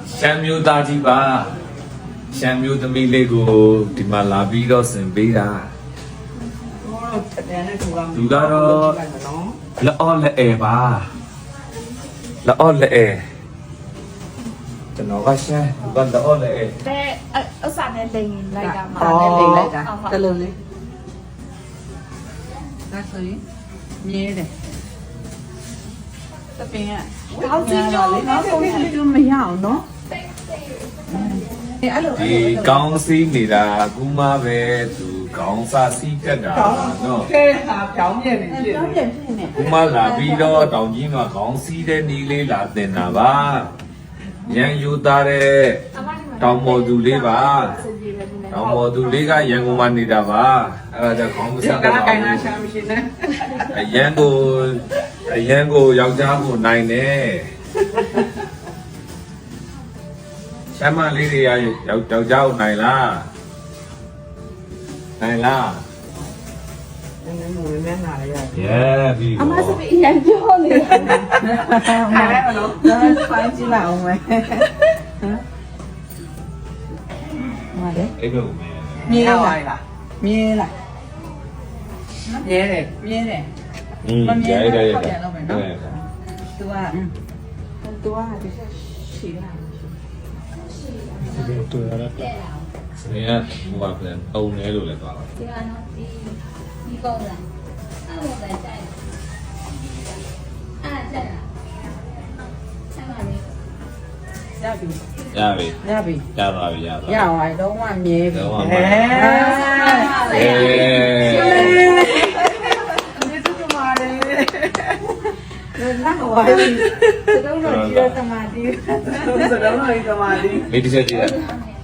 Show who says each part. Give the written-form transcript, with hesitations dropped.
Speaker 1: ရှမ်းမျိုးသားကြီးပါရှမ်းမျိုးသမီးလေးကိုဒီမှာလာပြီးတော့ဆင်ပေးတာသူကတော့လက်အော်လက်အဲပါလက်အော်လက်အဲကျွန်တော်ကရှမ်းသူကလက်အော်လက်အဲ
Speaker 2: တဲ့အစားနဲ့လိန်လိုက်တာမှာ
Speaker 3: နဲ့လိမ့်လိုက်တာတလုံးလေးဒါဆိုရင်မြဲတယ်တပင်ကကောင်းစီရောနောက်ဆုံးလေးတို့မရအောင်နော်အဲ့လို
Speaker 1: ဒီကောင်းစီးနေတာကူမပဲသူကောင်းစားစီးကတ်တာနော်
Speaker 3: ကဲဟာပြောင်းပြန်နေဖြစ်ပြောင်းပြန်ဖြစ်နေ
Speaker 1: ကူမလာပြီးတော့တောင်ကြီးမှာကောင်းစီးတဲ့နီးလေးလာတင်တာပါရန်ယူသားတဲ့တောင်မော်သူလေးပါတောင်မော်သူလေးကရန်ကုန်မှာနေတာပါအဲ့ဒါကြောင့်ခေါင်းမစားတော့ဘူးအရန်ကိုယောက်ျားကိုနိုင်တယ်ရှမ်းမလေးတွေယောက်ျားကိုနိုင်လားနိုင်လား
Speaker 3: နည်းနည်းဝင်နေလာရ
Speaker 1: Yeah ပြီ
Speaker 2: အမစပီရန်ပြောနေတယ်
Speaker 3: အဲ့ဒါတော့ဖိုင်းကြည့်လိုက်အောင်မယ်ဟမ်ဟုတ်တယ်
Speaker 1: အဲ့လိုမယ်
Speaker 3: မြဲလိုက်လားမြဲလိုက်မြဲတယ်မြဲတယ်
Speaker 1: ရဲရဲရဲ
Speaker 3: သူကဒီရှိလာ
Speaker 1: စနေကဟိုပါပြန်တုံနေလို့လည်းသွားပါ
Speaker 2: ဒီကနော်ဒီကောင်းလားအဲ့လိုပဲကြိုက်အဲ့ကြက်လားဆက်ပါလေ
Speaker 3: ရပြီ
Speaker 1: ရပြီ
Speaker 3: ရပြီ
Speaker 1: ရသွားပြီရသွား
Speaker 3: ရပါတော့မှမြဲပြီ
Speaker 1: တော့မှ
Speaker 3: ဟဲ့
Speaker 1: အေး
Speaker 3: ဒီသူကမာတယ်နောက်ဝိုင်းစတော့တော့ဒီသမာဓိစတော့တော့ဒီသမာဓိ
Speaker 1: လေးတစ်ချက်ကြည့်ရ